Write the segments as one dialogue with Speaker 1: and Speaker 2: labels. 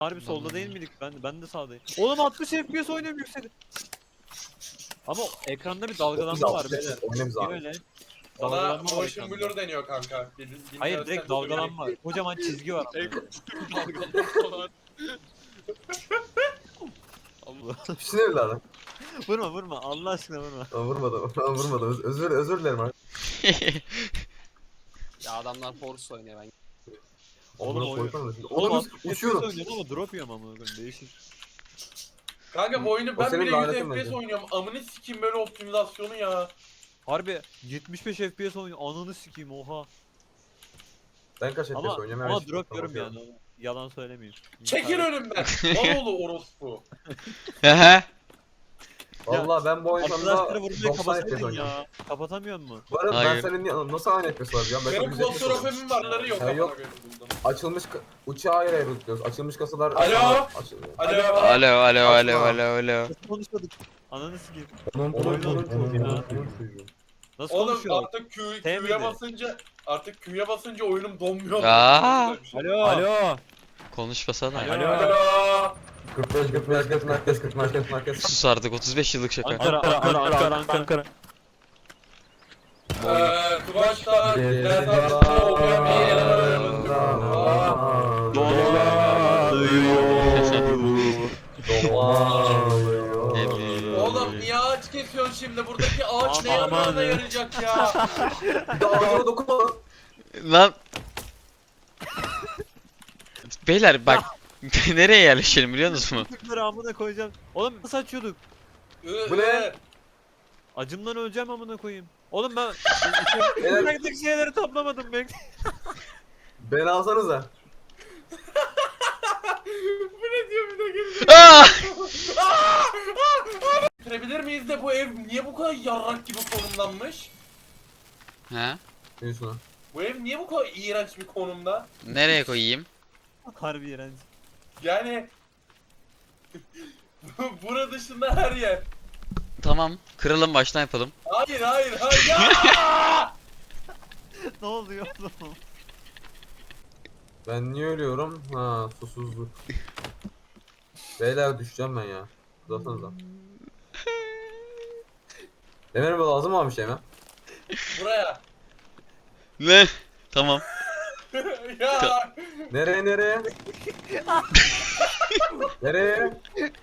Speaker 1: Harbi solda değil miydik? Ben de sağdayım. Oğlum 60 FPS oynuyorum yükseli. Ama ekranda bir dalgalanma var beyler.
Speaker 2: Oynayayım
Speaker 1: Niye
Speaker 2: abi.
Speaker 1: öyle?
Speaker 3: Ona
Speaker 1: Dalgalanma var
Speaker 3: motion
Speaker 1: ekranda.
Speaker 3: blur deniyor kanka.
Speaker 1: Hayır direkt dalgalanma var. Kocaman çizgi var.
Speaker 4: Dalgalanma var. Allah.
Speaker 2: Pişin evladım.
Speaker 1: Vurma Allah aşkına vurma.
Speaker 2: Vurmadım. Özür dilerim abi.
Speaker 4: Ya adamlar Force oynuyor ben.
Speaker 1: Oğlum
Speaker 2: Amına
Speaker 1: oyun.
Speaker 2: koysana şimdi.
Speaker 1: Oğlum
Speaker 2: Oğlum
Speaker 1: 60 FPS
Speaker 2: uçuyorum.
Speaker 1: oynuyorum ama drop yiyorum ama değişik.
Speaker 3: Kanka bu oyunu
Speaker 2: O
Speaker 3: ben
Speaker 2: senin
Speaker 3: bile 100
Speaker 2: lanetin
Speaker 3: FPS
Speaker 2: bence.
Speaker 3: oynuyorum. Amını sikeyim böyle optimizasyonu ya.
Speaker 1: Harbi 75 FPS oynuyorum. Ananı sikeyim oha.
Speaker 2: Ben kaç FPS
Speaker 1: Ama
Speaker 2: oynuyorum?
Speaker 1: ama
Speaker 2: Hemen
Speaker 1: drop
Speaker 2: şimdi
Speaker 1: yiyorum yani. Yalan söylemeyeyim.
Speaker 3: Çekil önümden. Maloğlu orospu.
Speaker 5: Hehe.
Speaker 2: Valla ben bu oyun sonunda
Speaker 1: Arkadaşları vurmayı
Speaker 2: 90 FPS
Speaker 1: kapatsaydın
Speaker 2: oynuyorum.
Speaker 1: ya. Kapatamıyor mu?
Speaker 2: Bu arada ben
Speaker 5: Hayır.
Speaker 2: senin nasıl aynı FPS var ya? Ben
Speaker 3: Benim
Speaker 2: 100 FPS oynuyorum.
Speaker 3: klostrofobim varları yok.
Speaker 2: Ya
Speaker 3: amına
Speaker 2: yok.
Speaker 3: koyayım buldum.
Speaker 2: Açılmış uçağı ayrı ayrı tutuyoruz. Açılmış kasalar...
Speaker 3: Alo?
Speaker 2: Açılıyor.
Speaker 3: Alo.
Speaker 5: Alo.
Speaker 1: Nasıl konuşmadık? Ananı sikeyim.
Speaker 2: Onun
Speaker 1: Nasıl
Speaker 3: Oğlum
Speaker 1: konuşuyor?
Speaker 3: artık
Speaker 1: Sevmedi.
Speaker 3: Q'ya basınca oyunum donmuyor.
Speaker 5: Aa.
Speaker 3: Güzel bir şey.
Speaker 1: Alo.
Speaker 5: Konuşmasana.
Speaker 1: Alo.
Speaker 3: Alo.
Speaker 2: 45 merkez.
Speaker 5: Sus artık 35 yıllık şaka.
Speaker 1: Ankara.
Speaker 3: Kıvanç'ta Oğlum niye ağaç kesiyorsun şimdi? Buradaki ağaç ne
Speaker 1: Aman.
Speaker 3: yararına yarayacak ya?
Speaker 2: Ağzına dokunma.
Speaker 5: Lan. Beyler bak nereye yerleşelim biliyor musunuz?
Speaker 1: Tıkları amına koyacağım. Oğlum nasıl açıyorduk?
Speaker 2: Bu ne?
Speaker 1: Acımdan öleceğim amına koyayım. Oğlum ben
Speaker 2: Beyler-
Speaker 1: bıraktık şeyleri toplamadım ben.
Speaker 2: Beni alsanıza.
Speaker 3: Bu ne diyor bir de geliyor.
Speaker 5: Aa!
Speaker 3: Bitirebilir miyiz de bu ev niye bu kadar yarrak gibi konumlanmış?
Speaker 5: He?
Speaker 2: Yürü şuna.
Speaker 3: Bu ev niye bu kadar iğrenç bir konumda?
Speaker 5: Nereye koyayım?
Speaker 1: Harbi iğrenç.
Speaker 3: Yani bura dışında her yer.
Speaker 5: Tamam. Kıralım baştan yapalım.
Speaker 3: Hayır ya!
Speaker 1: Ne oluyor oğlum?
Speaker 2: Ben niye ölüyorum? Ha susuzluk. Beyler düşeceğim ben ya. Uzatsanıza. Demir bu lazım mı abi şey mi?
Speaker 3: Buraya.
Speaker 5: Ne? Tamam.
Speaker 3: Ya
Speaker 2: Nereye? Nereye?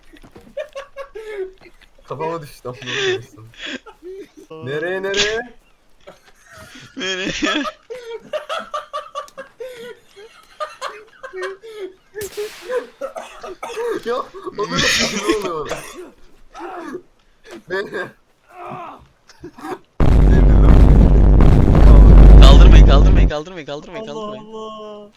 Speaker 2: Kafama düştü. Nereye?
Speaker 5: Nereye?
Speaker 2: Ya o böyle ne oluyor? Beni.
Speaker 5: Kaldırmayın.
Speaker 1: Allah Allah.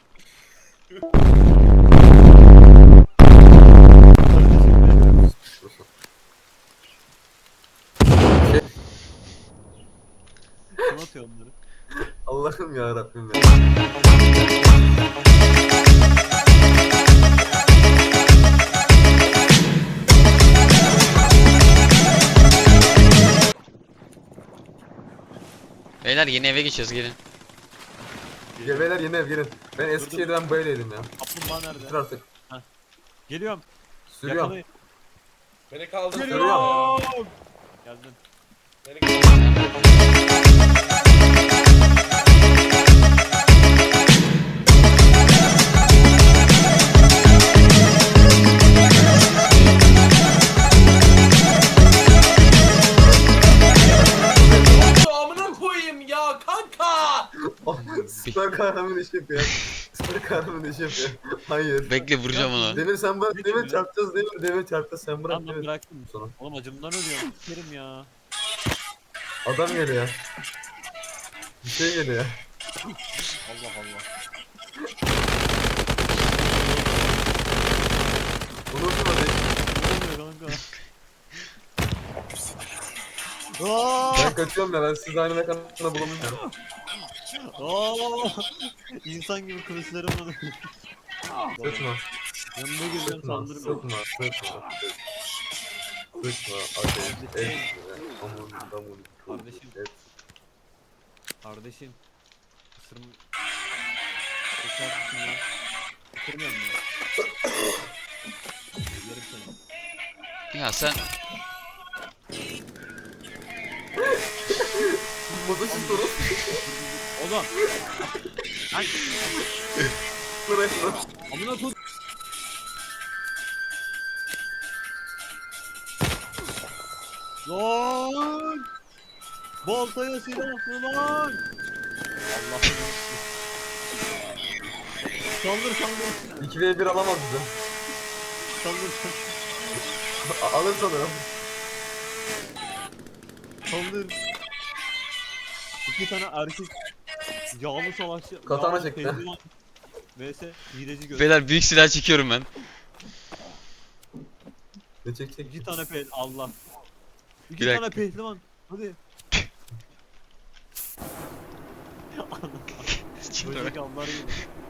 Speaker 1: Kim atıyor onları?
Speaker 2: Allah'ım ya Rabbim ya.
Speaker 5: Beyler yeni eve geçiyoruz gelin.
Speaker 2: Beyler yeni ev gelin. Ben Eskişehir'den böyleydim ya.
Speaker 1: Kaplumbağa
Speaker 2: Bitir
Speaker 1: nerede?
Speaker 2: artık.
Speaker 1: Geliyorum.
Speaker 2: Sürüyorum.
Speaker 1: Yakalayın.
Speaker 3: beni kaldır.
Speaker 1: Geliyorum. Geldim.
Speaker 3: Beni kaldır. Amına koyayım ya kanka.
Speaker 2: Süper kahraman iş yapıyor. Süper kahraman iş yapıyor. Hayır.
Speaker 5: Bekle vuracağım onu.
Speaker 2: Demir sen bırak. Demir çarpacağız değil mi? Demir çarpacağız sen bırak.
Speaker 1: Tamam ben
Speaker 2: Demir.
Speaker 1: bıraktım.
Speaker 2: Sonra.
Speaker 1: Oğlum acımdan ölüyorum. Sikerim ya.
Speaker 2: Adam geliyor. Bir şey geliyor.
Speaker 1: Allah Allah.
Speaker 2: Unutma değil.
Speaker 1: Ne oluyor kanka? Aaaa!
Speaker 2: Ben kaçıyorum ya ben siz aynı mekanında bulamıyorum.
Speaker 1: Aaaa! İnsan gibi kılıçlarım var.
Speaker 2: Sıkma.
Speaker 1: Yanına gireceğim
Speaker 2: Sıkma.
Speaker 1: saldırmıyor.
Speaker 2: Sıkma. Ateş. Et. Amun.
Speaker 1: Kardeşim.
Speaker 2: Et.
Speaker 1: Kardeşim. Isırım. Isırım lan. Isırmıyor musun?
Speaker 5: Ya sen
Speaker 2: Motosiklet olur.
Speaker 1: Oğlum. Lan
Speaker 2: Bırak lan.
Speaker 1: amına koy. Lan! Baltaya silahlı lan! Allah'ım. Saldır saldır.
Speaker 2: 2v1 alamaz bizi.
Speaker 1: Saldır
Speaker 2: Alır sanırım.
Speaker 1: saldır. İki tane erkek yağlı savaşçı.
Speaker 2: Katana
Speaker 1: yağlı
Speaker 2: çekti.
Speaker 1: pehlivan vs hileci göz.
Speaker 5: beyler büyük silah çekiyorum ben.
Speaker 2: Ne çek.
Speaker 1: İki tane Allah. İki
Speaker 5: Bir dakika.
Speaker 1: tane pehlivan. Hadi. Böcek avları gibi.